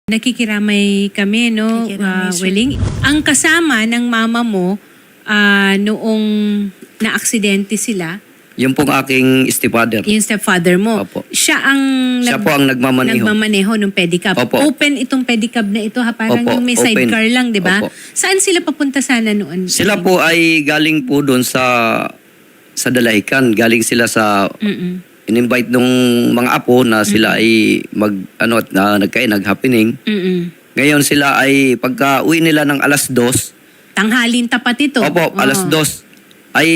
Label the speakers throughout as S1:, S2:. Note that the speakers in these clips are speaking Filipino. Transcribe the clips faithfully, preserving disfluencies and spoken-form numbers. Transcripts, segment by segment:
S1: Nakikiramay kami, no,
S2: Nakikiramay,
S1: uh,
S2: sir.
S1: Welling. Ang kasama ng mama mo ah, noong na-aksidente sila,
S3: Yung pong aking stepfather.
S1: yung stepfather mo,
S3: Opo.
S1: siya ang
S3: Siya po ang nagmamaneho.
S1: nagmamaneho ng pedicab.
S3: Opo.
S1: Open itong pedicab na ito, ha? Parang
S3: Opo,
S1: yung may
S3: open.
S1: sidecar lang, di ba?
S3: Opo.
S1: Saan sila papunta sana noon?
S3: Sila po ay galing po doon sa sa Dalaican. Galing sila sa
S1: Mm-mm.
S3: in-invite nung mga apo na sila ay mag ano at na, nagkain nag-happening.
S1: Mm-mm.
S3: Ngayon sila ay pagka uwi nila ng alas dos.
S1: Tanghalin tapat ito.
S3: Opo,
S1: Oo.
S3: alas dos ay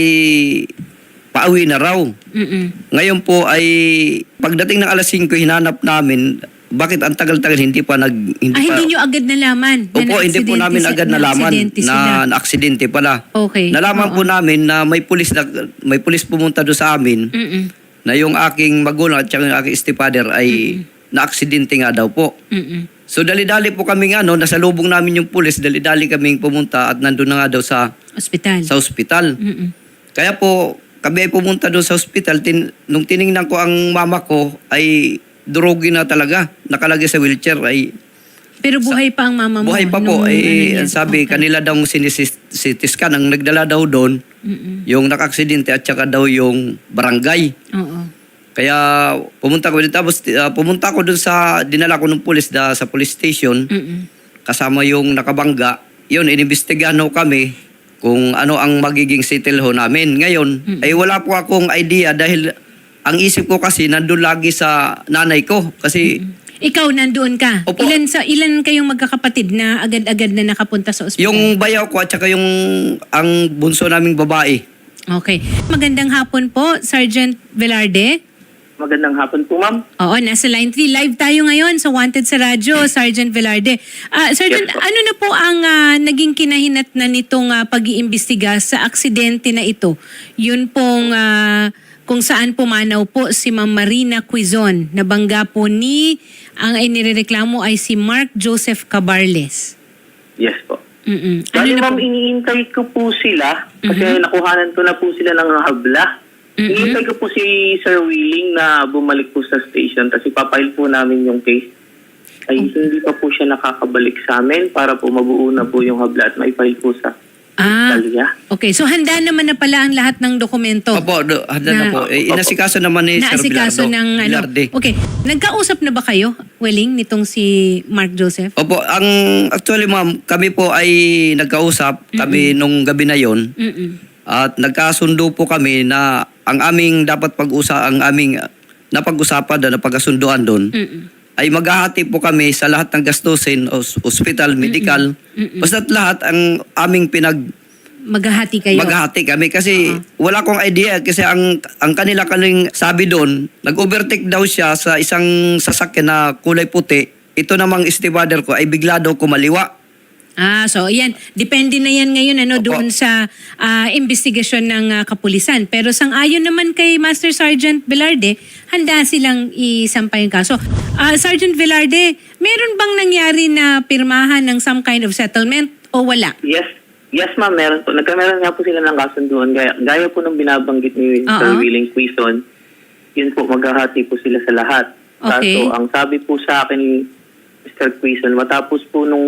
S3: pauwi na raw.
S1: Mm-mm.
S3: Ngayon po ay pagdating ng alas singko hinanap namin bakit ang tagal-tagal hindi pa nag hindi
S1: Ah,
S3: pa
S1: hindi nyo agad nalaman? na
S3: Opo, hindi po
S1: na-aksidente
S3: namin
S1: si-
S3: agad nalaman
S1: na-aksidente sila?
S3: na na-aksidente pala.
S1: Okay.
S3: Nalaman
S1: Oo.
S3: po namin na may pulis na may pulis pumunta doon sa amin
S1: Mm-mm.
S3: na yung aking magulang at saka yung aking stepfather ay na-aksidente nga daw po.
S1: Mm-mm.
S3: So dali-dali po kami nga no, nasa lubong namin yung pulis, dali-dali kaming pumunta at nandun na nga daw sa
S1: Ospital.
S3: sa ospital.
S1: Mm-mm.
S3: Kaya po kami ay pumunta doon sa ospital, tin, nung tiningnan ko ang mama ko ay durugi na talaga, nakalagay sa wheelchair ay
S1: Pero buhay pa ang mama mo?
S3: buhay pa
S1: nung
S3: po.
S1: ano
S3: Eh,
S1: niya?
S3: ang sabi,
S1: Okay.
S3: kanila daw sinisiti scan. Ang nagdala daw doon,
S1: Mm-mm.
S3: yung nakaksidente at saka daw yung barangay.
S1: Oo.
S3: Kaya pumunta ko dito. Tapos uh, pumunta ko doon sa, dinala ko ng pulis da, sa police station.
S1: Mm-mm.
S3: Kasama yung nakabangga. Yun, inimbestigahan ho kami kung ano ang magiging settle ho namin. Ngayon,
S1: Mm-mm.
S3: ay wala po akong idea dahil ang isip ko kasi nandun lagi sa nanay ko. Kasi
S1: Ikaw nandoon ka.
S3: Opo.
S1: Ilan sa ilan kayong magkakapatid na agad-agad na nakapunta sa ospital?
S3: yung bayaw ko at saka yung ang bunso naming babae.
S1: Okay. Magandang hapon po, Sergeant Velarde.
S4: Magandang hapon po, ma'am.
S1: Oo, nasa line three. Live tayo ngayon sa Wanted sa Radyo, Sergeant Velarde. Ah, Sergeant,
S4: Yes, po.
S1: ano na po ang ah, naging kinahinatnan nitong ah, pag-iimbestiga sa aksidente na ito? Yun pong ah, kung saan pumanaw po si Ma'am Marina Quizon. Nabangga po ni, ang inireklamo ay si Mark Joseph Cabarles.
S4: Yes po.
S1: Mm-mm. Ano
S4: Bali,
S1: na
S4: ma'am,
S1: po?
S4: iniintay ko po sila kasi
S1: Mhm.
S4: nakuhanan ko na po sila ng habla.
S1: Mhm.
S4: Iniintay ko po si Sir Willing na bumalik po sa station kasi papile po namin yung case. Ay hindi pa po siya nakakabalik sa amin para po mabuo na po yung habla at maipile po sa
S1: Ah,
S4: Italia.
S1: okay. So handa naman na pala ang lahat ng dokumento.
S3: Opo, do, handa na,
S1: Na-
S3: po. Eh, inasikaso naman ni Sir
S1: Naasikaso
S3: Bilardo.
S1: ng ano.
S3: Bilarde.
S1: Okay. Nagkausap na ba kayo, Welling, nitong si Mark Joseph?
S3: Opo, ang actually ma'am, kami po ay nagkausap kami nung gabi na yon
S1: Mm-mm.
S3: at nagkasundo po kami na ang aming dapat pag-usa ang aming uh, napag-usapan na napagkasunduan doon
S1: Mm-mm.
S3: ay maghahati po kami sa lahat ng gastusin, os- hospital, medical,
S1: Mm-mm.
S3: basta't lahat ang aming pinag
S1: Maghahati kayo.
S3: maghahati kami kasi wala akong idea kasi ang ang kanila kaling sabi doon, nag-overtake daw siya sa isang sasakyan na kulay puti. Ito namang stepfather ko ay bigla daw kumaliwa.
S1: Ah, so yan. Depende na yan ngayon ano,
S3: Opo.
S1: doon sa ah, investigasyon ng ah, kapulisan. Pero sang-ayon naman kay Master Sergeant Velarde, handa silang isampay yung kaso. Ah, Sergeant Velarde, meron bang nangyari na pirmahan ng some kind of settlement o wala?
S4: Yes. Yes, ma'am. Meron po. Nagkameron nga po sila ng kasunduan. Gaya, gaya po nung binabanggit ni
S1: Oo.
S4: Sir Willing Quizon, yun po, maghahati po sila sa lahat.
S1: Okay.
S4: Kaso, ang sabi po sa akin ni Mister Quizon, matapos po nung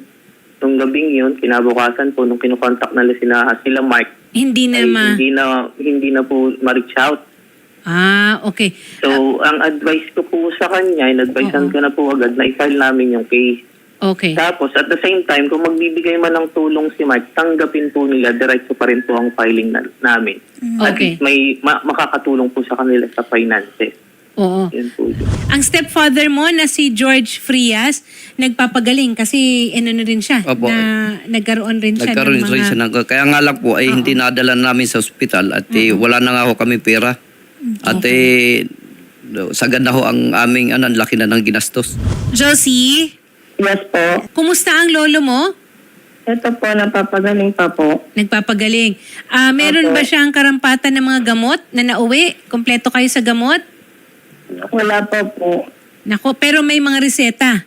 S4: nung gabing yun, kinabukasan po, nung kinukontak na sila, sila Mark,
S1: Hindi na
S4: ay
S1: ma...
S4: hindi na, hindi na po ma-reach out.
S1: Ah, okay.
S4: So, ang advice ko po sa kanya, in-advisean
S1: Oo.
S4: ko na po agad na i-file namin yung case.
S1: Okay.
S4: Tapos, at the same time, kung magbibigay man ng tulong si Mark, tanggapin po nila, diretso pa rin po ang filing na, namin. At
S1: Okay.
S4: least may ma- makakatulong po sa kanila sa finances.
S1: Oo.
S4: Yun po yun.
S1: Ang stepfather mo na si George Frias, nagpapagaling kasi ano na rin siya,
S3: Opo.
S1: na nagkaroon rin siya
S3: Nagkaroon
S1: ng
S3: rin
S1: mga...
S3: siya ng, kaya nga lang po ay hindi nadala namin sa ospital at eh, wala na nga ho kami pera. At eh, sagad na ho ang aming ano, ang laki na ng ginastos.
S1: Josie,
S2: Yes po.
S1: kumusta ang lolo mo?
S2: Ito po, napapagaling pa po.
S1: Nagpapagaling. Ah, meron
S2: Opo.
S1: ba siyang karampatan ng mga gamot na nauwi? Kompleto kayo sa gamot?
S2: Wala pa po.
S1: Nako, pero may mga reseta.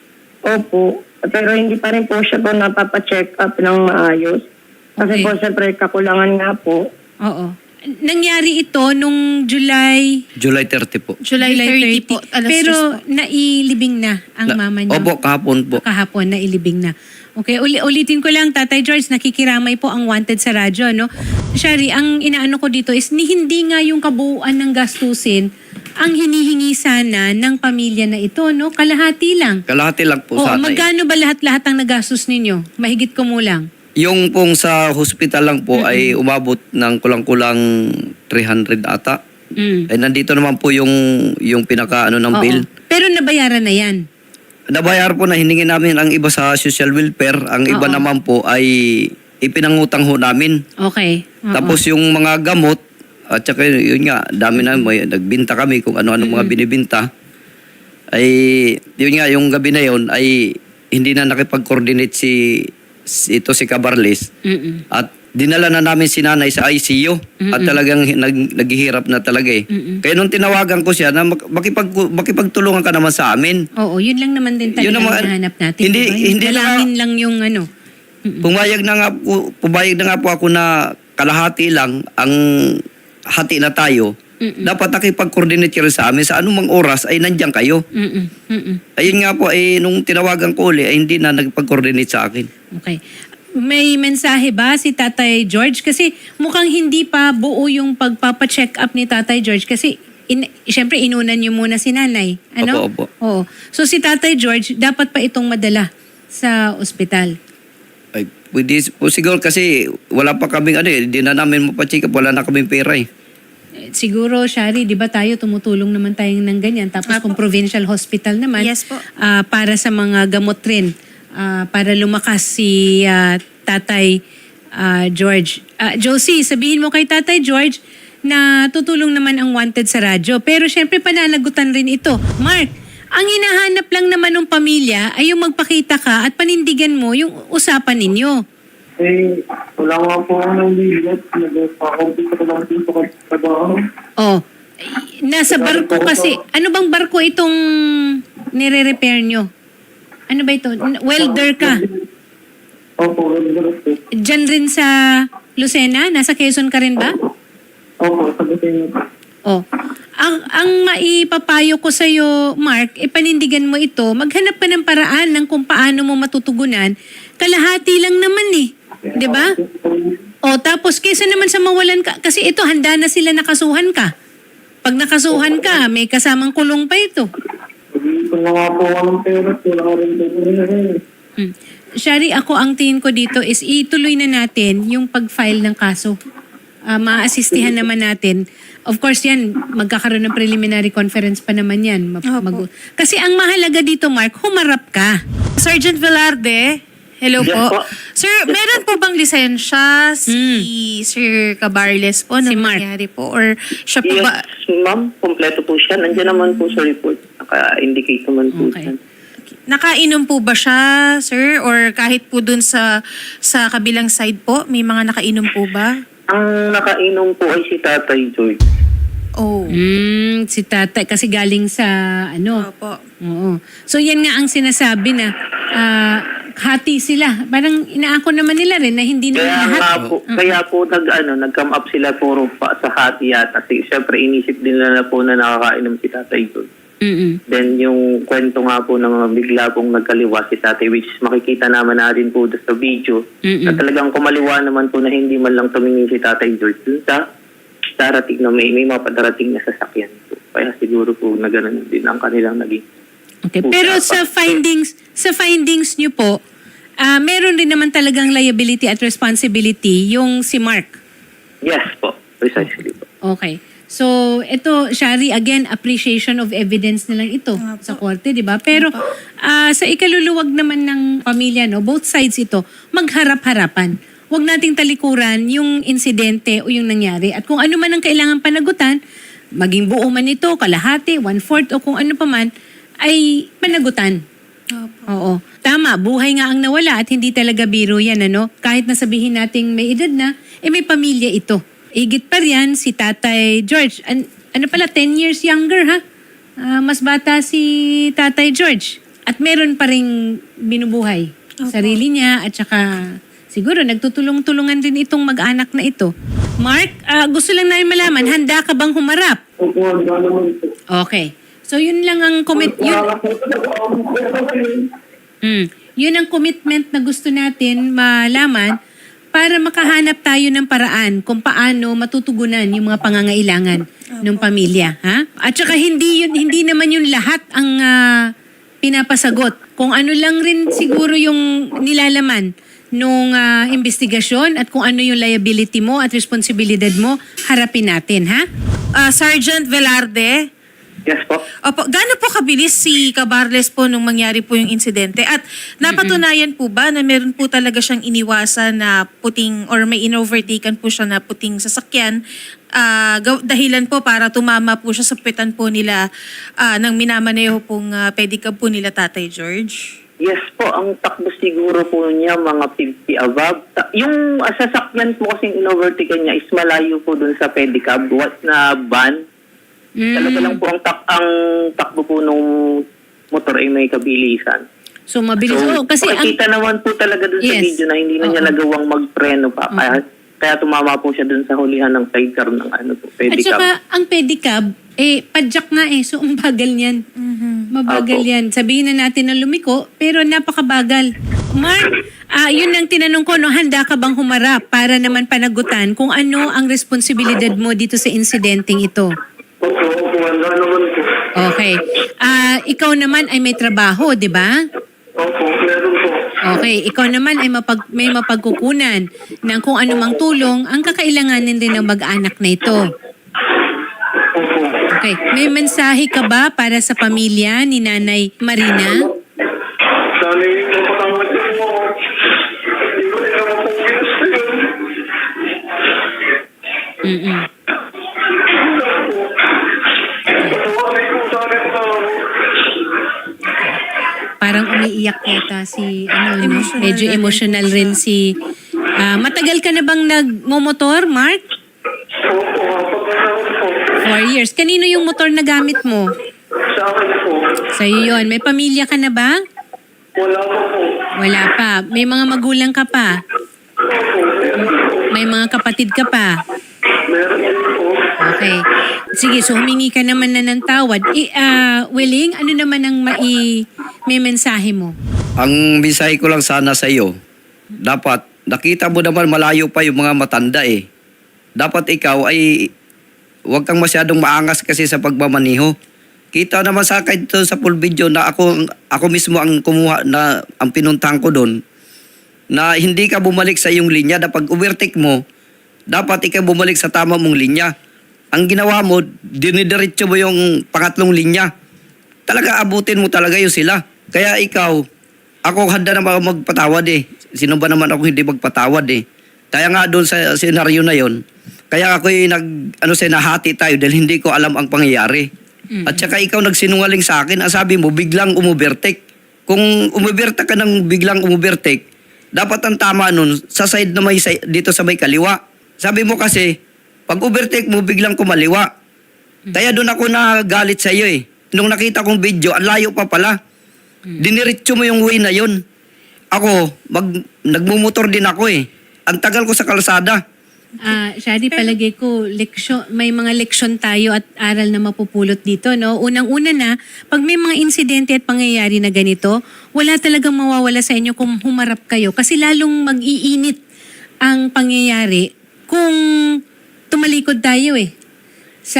S2: Opo. Pero hindi pa rin po siya po napapacheck up ng maayos. Kasi
S1: Okay.
S2: po, siyempre, kakulangan nga po.
S1: Oo. Nangyari ito nung July
S3: July thirty po.
S5: July thirty po. Alas
S1: pero
S5: tres po.
S1: nailibing na ang
S3: Na-
S1: mama niya.
S3: Opo, kahapon po.
S1: Kahapon na ilibing na. Okay, uli ulitin ko lang, Tatay George, nakikiramay po ang wanted sa radyo, no? Shari, ang inaano ko dito is ni hindi nga yung kabuuan ng gastusin ang hinihingi sana ng pamilya na ito, no? Kalahati lang.
S3: Kalahati lang po
S1: Oo,
S3: sana. eh.
S1: magkano ba lahat-lahat ang nagastos ninyo? Mahigit ko mo lang.
S3: Yung pong sa hospital lang po ay umabot ng kulang-kulang three hundred ata.
S1: Mm.
S3: Eh nandito naman po yung yung pinaka ano ng
S1: Oo.
S3: bill.
S1: Pero nabayaran na yan.
S3: Nabayar po na hiningi namin ang iba sa social welfare, ang iba
S1: Oo.
S3: naman po ay ipinangutang ho namin.
S1: Okay. Oo.
S3: Tapos yung mga gamot at saka yun nga, dami na may nagbinta kami kung ano-ano mga binibinta. Ay yun nga yung gabi na yun ay hindi na nakipag-coordinate si, si ito si Cabarles.
S1: Mm-mm.
S3: At dinala na namin si nanay sa I C U at talagang hi- nag, naghihirap na talaga eh.
S1: Mm-mm.
S3: Kaya nung tinawagan ko siya na mak- makipag, makipagtulungan ka naman sa amin.
S1: Oo, yun lang naman din talaga
S3: Yun
S1: ang
S3: naman,
S1: hinahanap natin.
S3: hindi-
S1: diba?
S3: hindi na-
S1: Dalangin lang yung ano.
S3: Pumayag na nga po, pumayag na nga po ako na kalahati lang ang hati na tayo.
S1: Mm-mm.
S3: Dapat nakipag-coordinate ka rin sa amin sa anumang oras ay nandiyan kayo.
S1: Mm-mm. Mm-mm.
S3: Ayun nga po, eh, nung tinawagan ko uli, ay hindi na nagpag-coordinate sa akin.
S1: Okay. May mensahe ba si Tatay George? Kasi mukhang hindi pa buo yung pagpapacheck up ni Tatay George kasi in, syempre inunan niyo muna si nanay. Ano?
S3: Opo, opo.
S1: Oo. So si Tatay George, dapat pa itong madala sa ospital.
S3: Ay, pwede po siguro kasi wala pa kaming ano eh, hindi na namin mapacheck up, wala na kaming pera eh.
S1: Eh, Siguro, Shari, di ba tayo tumutulong naman tayo ng ganyan. Tapos kung provincial hospital naman,
S5: Yes po.
S1: ah, para sa mga gamot rin, ah, para lumakas si ah, Tatay ah, George. Ah, Josie, sabihin mo kay Tatay George na tutulong naman ang wanted sa radyo. Pero syempre pananagutan rin ito. Mark, ang hinahanap lang naman ng pamilya ay yung magpakita ka at panindigan mo yung usapan ninyo.
S2: Eh, wala nga po ako ng bigat. Nag-pakompi ko lang dito kasi sa trabaho.
S1: Oh, nasa barko kasi. Ano bang barko itong nire-repair nyo? Ano ba ito? Welder ka?
S2: Opo, welder po.
S1: Diyan rin sa Lucena? Nasa Quezon ka rin ba?
S2: Opo, sagutin niyo po.
S1: Oh. Ang, ang maipapayo ko sa'yo, Mark, ipanindigan mo ito, maghanap ka ng paraan ng kung paano mo matutugunan. Kalahati lang naman eh. 'Di ba? O tapos kaysa naman sa mawalan ka, kasi ito handa na sila nakasuhan ka. Pag nakasuhan ka, may kasamang kulong pa ito.
S2: Pag-iipon na nga po ako ng pera, wala ka rin po rin.
S1: Hmm. Shari, ako ang tingin ko dito is ituloy na natin yung pag-file ng kaso. Uh, maaasistihan naman natin. Of course yan, magkakaroon ng preliminary conference pa naman yan. Mag- mag- Kasi ang mahalaga dito, Mark, humarap ka.
S5: Sergeant Velarde, hello
S4: Yes
S5: po.
S4: po.
S5: Sir, meron po bang lisensya si Sir Cabarles po na
S1: Si Mark.
S5: nangyari po? Or siya po
S4: Yes,
S5: ba?
S4: ma'am. Kompleto po siya. Nandiyan naman po sa report. Naka-indicate naman po
S1: Okay.
S4: siya.
S5: Nakainom po ba siya, sir? Or kahit po dun sa sa kabilang side po, may mga nakainom po ba?
S4: Ang nakainom po ay si Tatay George.
S5: Oh.
S1: Hmm, si tatay, kasi galing sa ano.
S5: Opo.
S1: Oo. So yan nga ang sinasabi na ah, hati sila. Parang inaako naman nila rin na hindi naman
S4: Kaya
S1: lahat.
S4: nga po, kaya po nag, ano, nag-come up sila puro pa sa hati yata. Kasi syempre inisip din nila na po na nakakainom si Tatay George.
S1: Mm-mm.
S4: Then yung kwento nga po ng bigla pong nagkaliwa si Tatay, which is makikita naman natin po doon sa video,
S1: Mm-mm.
S4: na talagang kumaliwa naman po na hindi man lang tumingin si Tatay George dun sa darating na may, may mapadarating na sasakyan po. Kaya siguro po na ganun din ang kanilang naging.
S1: Okay. Pero sa findings, sa findings niyo po, ah meron rin naman talagang liability at responsibility yung si Mark.
S4: Yes po, precisely po.
S1: Okay. So, ito, Shari, again, appreciation of evidence na lang ito sa korte, di ba? Pero ah, sa ikaluluwag naman ng pamilya, no, both sides ito, magharap-harapan. Huwag nating talikuran yung insidente o yung nangyari. At kung ano man ang kailangan panagutan, maging buo man ito, kalahati, one-fourth, o kung ano pa man, ay panagutan. Oo. Tama, buhay nga ang nawala at hindi talaga biro yan, ano? Kahit na sabihin nating may edad na, eh may pamilya ito. Igit pa riyan si Tatay George. An- ano pala, ten years younger, ha? Ah, mas bata si Tatay George. At meron pa ring binubuhay. Sarili niya at saka siguro nagtutulong-tulungan din itong mag-anak na ito. Mark, ah, gusto lang namin malaman, handa ka bang humarap?
S2: Opo, handa naman po.
S1: Okay. So yun lang ang commit yun,
S2: Wala po talaga ako po.
S1: mm, yun ang commitment na gusto natin malaman para makahanap tayo ng paraan kung paano matutugunan yung mga pangangailangan ng pamilya, ha? At saka hindi yun hindi naman yung lahat ang ah, pinapasagot. Kung ano lang rin siguro yung nilalaman nung ah, investigasyon at kung ano yung liability mo at responsibilidad mo, harapin natin, ha?
S5: Ah, Sergeant Velarde,
S4: Yes po.
S5: opo, gaano po kabilis si Cabarles po nung mangyari po yung insidente? At napatunayan po ba na meron po talaga siyang iniwasan na puting or may inovertaken po siya na puting sasakyan ah, gaw- dahilan po para tumama po siya sa puwetan po nila ah, ng minamaneho pong ah, pedicab po nila Tatay George?
S4: Yes po, ang takbo siguro po niya mga fifty above. Ta- Yung uh, sasakyan po kasing inovertical niya is malayo po dun sa pedicab what na van. Talaga lang po ang, tak ang takbo po nung motor ay may kabilisan.
S1: So mabilis. Oo, kasi ang
S4: makikita naman po talaga dun sa
S1: Yes.
S4: video na hindi na niya
S1: Oo.
S4: nagawang magpreno pa. Kaya, kaya tumama po siya dun sa hulihan ng sidecar ng ano po,
S1: At
S4: pedicab.
S1: saka, ang pedicab, eh, padjak nga eh. So, ang bagal niyan. Mabagal
S4: Apo.
S1: yan. Sabihin na natin na lumiko, pero napakabagal. Mark, ah, yun ang tinanong ko, no, handa ka bang humarap para naman panagutan kung ano ang responsibilidad mo dito sa insidenteng ito?
S2: Opo, opo, handa naman po.
S1: Okay. Ah, ikaw naman ay may trabaho, di ba?
S2: Opo, meron po.
S1: Okay, ikaw naman ay mapag, may mapagkukunan ng kung anumang tulong ang kakailanganin din ng mag-anak na ito.
S2: Opo.
S1: Okay, may mensahe ka ba para sa pamilya ni Nanay Marina?
S2: Dali, mapatawad niyo po ako. Hindi ko rin naman po ginusto yun.
S1: Mm-mm.
S2: Patawarin ko sa akin na ako.
S1: Parang umiiyak yata si, ano, no?
S5: Emotional
S1: Medyo
S5: na rin
S1: emotional
S5: po
S1: rin si... Ah, matagal ka na bang nagmomotor, Mark?
S2: Opo, pagkakaroon po.
S1: Four years. Kanino yung motor na gamit mo?
S2: Sa akin po.
S1: Sa'yo yun. May pamilya ka na ba?
S2: Wala po po.
S1: Wala pa. May mga magulang ka pa?
S2: Opo, meron po.
S1: May mga kapatid ka pa?
S2: Meron din po.
S1: Okay. Sige, so humingi ka naman na ng tawad. I, ah, Willing, ano naman ang mai, may mensahe mo?
S3: Ang mensahe ko lang sana sa iyo, dapat nakita mo naman malayo pa yung mga matanda eh. Dapat ikaw ay huwag kang masyadong maangas kasi sa pagmamaniho. Kita naman sa akin dito sa full video na ako ako mismo ang kumuha na ang pinuntahan ko doon na hindi ka bumalik sa iyong linya na pag overtake mo, dapat ikaw bumalik sa tama mong linya. Ang ginawa mo, dinidiretso mo yung pangatlong linya. Talaga abutin mo talaga yung sila. Kaya ikaw, ako handa na magpatawad eh. Sino ba naman ako hindi magpatawad eh. Kaya nga doon sa senaryo na yon, kaya ako yung nag, ano, sinahati tayo dahil hindi ko alam ang pangyayari. At saka ikaw nagsinungaling sa akin, ang sabi mo, biglang umubertek. Kung umubertek ka ng biglang umubertek, dapat ang tama nun, sa side na may, dito sa may kaliwa. Sabi mo kasi, pag overtake mo, biglang kumaliwa. Kaya doon ako nagalit sa iyo eh. Nung nakita kong video, ang layo pa pala. Diniretso mo yung way na yun. Ako, mag, nagmumotor din ako eh. Ang tagal ko sa kalsada.
S1: Ah, Shari, palagay ko, leksyon, may mga leksyon tayo at aral na mapupulot dito, no? Unang-una na, pag may mga insidente at pangyayari na ganito, wala talagang mawawala sa inyo kung humarap kayo. Kasi lalong mag-iinit ang pangyayari kung tumalikod tayo eh sa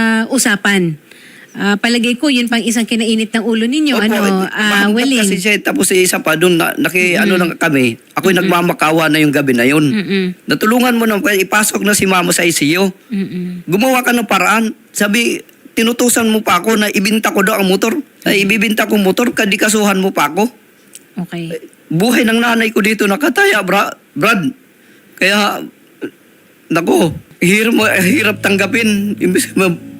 S1: usapan. Ah, palagay ko, yun pang isang kinainit ng ulo ninyo.
S3: Opo,
S1: ano,
S3: eh,
S1: ah,
S3: mahanap
S1: Willing.
S3: kasi siya, tapos isa pa doon, na, naki, ano lang kami, ako'y nagmamakawa na yung gabi na yun.
S1: Mm-mm.
S3: Natulungan mo na, ipasok na si mama sa I C U.
S1: Mm-mm.
S3: Gumawa ka ng paraan. Sabi, tinutusan mo pa ako na ibinta ko daw ang motor. Ay, ibibinta kong motor, kadikasuhan mo pa ako.
S1: Okay.
S3: Buhay ng nanay ko dito nakataya, bra, Brad. Kaya, nako, hirap, mo- hirap tanggapin. Imbis ma-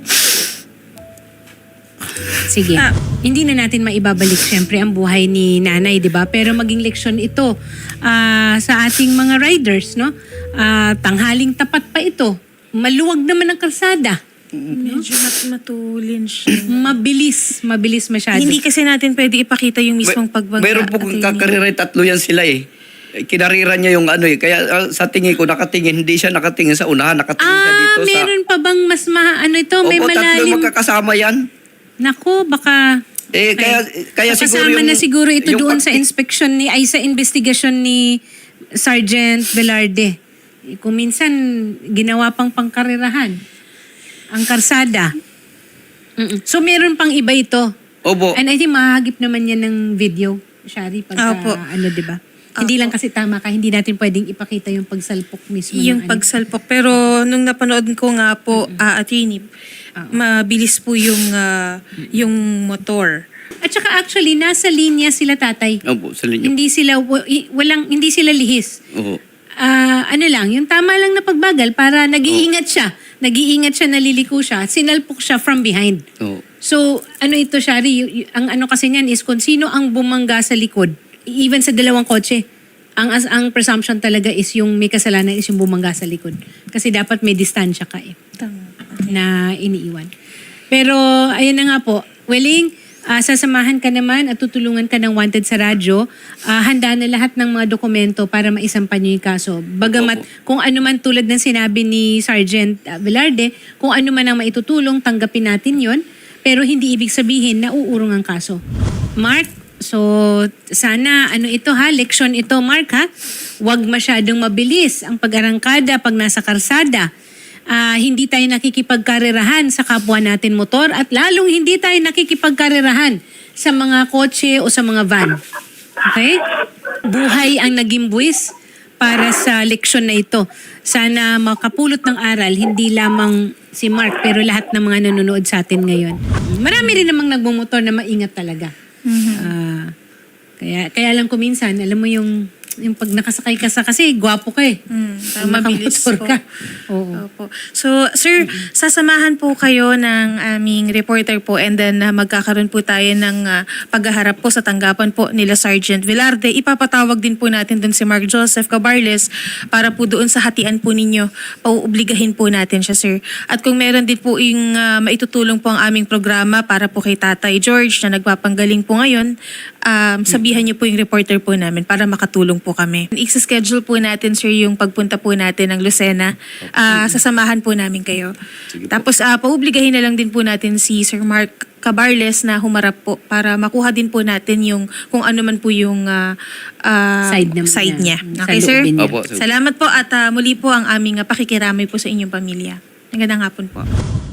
S1: Sige.
S5: Ah.
S1: Hindi na natin maibabalik syempre ang buhay ni nanay, 'di ba? Pero maging leksyon ito ah, sa ating mga riders, no? Ah, tanghaling tapat pa ito. Maluwag naman ang kalsada.
S5: Medyo mat- matulin siya.
S1: Mabilis, mabilis masyado.
S5: Hindi kasi natin pwede ipakita yung mismong pagbangga.
S3: Mayroon po kung
S5: Attorney.
S3: kakariray, tatlo yan sila eh. eh, kinariran niya yung ano eh. Kaya ah, sa tingin ko, nakatingin, hindi siya nakatingin sa unahan, nakatingin siya
S1: Ah,
S3: dito
S1: meron
S3: sa...
S1: pa bang mas ma... Ano ito? May
S3: Opo, tatlo
S1: malalim...
S3: magkakasama yan.
S1: Naku, baka...
S3: Eh, kaya, kaya
S1: So,
S3: siguro
S1: kasama
S3: yung...
S1: na siguro ito
S3: yung
S1: doon
S3: pag-
S1: sa inspection ni... Ay, sa investigasyon ni Sergeant Velarde. Eh, Kung minsan, ginawa pang pangkarirahan. Ang karsada. Mm-mm. So, meron pang iba ito.
S3: Opo.
S1: And I think mahagip naman yan ng video, Shari, pagka
S5: Opo.
S1: ano, di ba? Hindi lang kasi tama ka, hindi natin pwedeng ipakita yung pagsalpok mismo.
S5: Yung
S1: ng ano.
S5: pagsalpok. Pero nung napanood ko nga po, ah, attorney, mabilis po yung, ah, yung motor.
S1: At saka actually, nasa linya sila tatay.
S3: Opo, sa linyo.
S1: Hindi sila, wa- i- walang, hindi sila lihis.
S3: Opo.
S1: Ah, ano lang, yung tama lang na pagbagal para nag-iingat siya. Nag-iingat siya, naliliko siya, sinalpok siya from behind.
S3: Opo.
S1: So, ano ito, Shari, y- y- ang ano kasi niyan is kung sino ang bumangga sa likod, even sa dalawang kotse, ang as ang presumption talaga is yung may kasalanan is yung bumangga sa likod. Kasi dapat may distansya ka eh, na iniiwan. Pero, ayun na nga po, Welling, ah, sasamahan ka naman at tutulungan ka ng wanted sa radyo. Ah, handa na lahat ng mga dokumento para maisampan niyo yung kaso. Bagamat kung ano man tulad ng sinabi ni Sergeant ah, Velarde, kung ano man ang maitutulong, tanggapin natin yon. Pero hindi ibig sabihin na uurong ang kaso. Mark, so sana ano ito ha, leksyon ito Mark ha. Huwag masyadong mabilis ang pag-arangkada pag nasa karsada. Ah, hindi tayo nakikipagkarerahan sa kapwa natin motor at lalong hindi tayo nakikipagkarerahan sa mga kotse o sa mga van. Okay? Buhay ang naging buwis para sa leksyon na ito. Sana makapulot ng aral, hindi lamang si Mark, pero lahat ng mga nanonood sa atin ngayon. Marami rin namang nagmumotor na maingat talaga. Ah, kaya, kaya lang kuminsan, alam mo yung, yung pag nakasakay ka sa, kasi gwapo ka eh.
S5: Mm,
S1: Pag
S5: mabilis
S1: nakamotor
S5: po.
S1: ka. Oo.
S5: Opo. So, sir, sasamahan po kayo ng aming reporter po and then uh, magkakaroon po tayo ng uh, paghaharap po sa tanggapan po nila Sergeant Velarde. Ipapatawag din po natin doon si Mark Joseph Cabarles para po doon sa hatian po ninyo, pauobligahin po natin siya, sir. At kung meron din po yung uh, maitutulong po ang aming programa para po kay Tatay George na nagpapanggaling po ngayon, um, sabihan niyo po yung reporter po namin para makatulong po kami. I-schedule po natin, sir, yung pagpunta po natin ng Lucena. Ah, sasamahan po namin kayo. Tapos, ah, pauobligahin na lang din po natin si Sir Mark Cabarles na humarap po para makuha din po natin yung kung ano man po yung ah, ah,
S1: Side naman
S5: side
S1: niya.
S5: niya.
S1: Sa
S5: Okay, sir?
S1: loobin niya.
S3: Opo, sir.
S5: Salamat po at ah, muli po ang aming ah, pakikiramay po sa inyong pamilya. Magandang hapon po.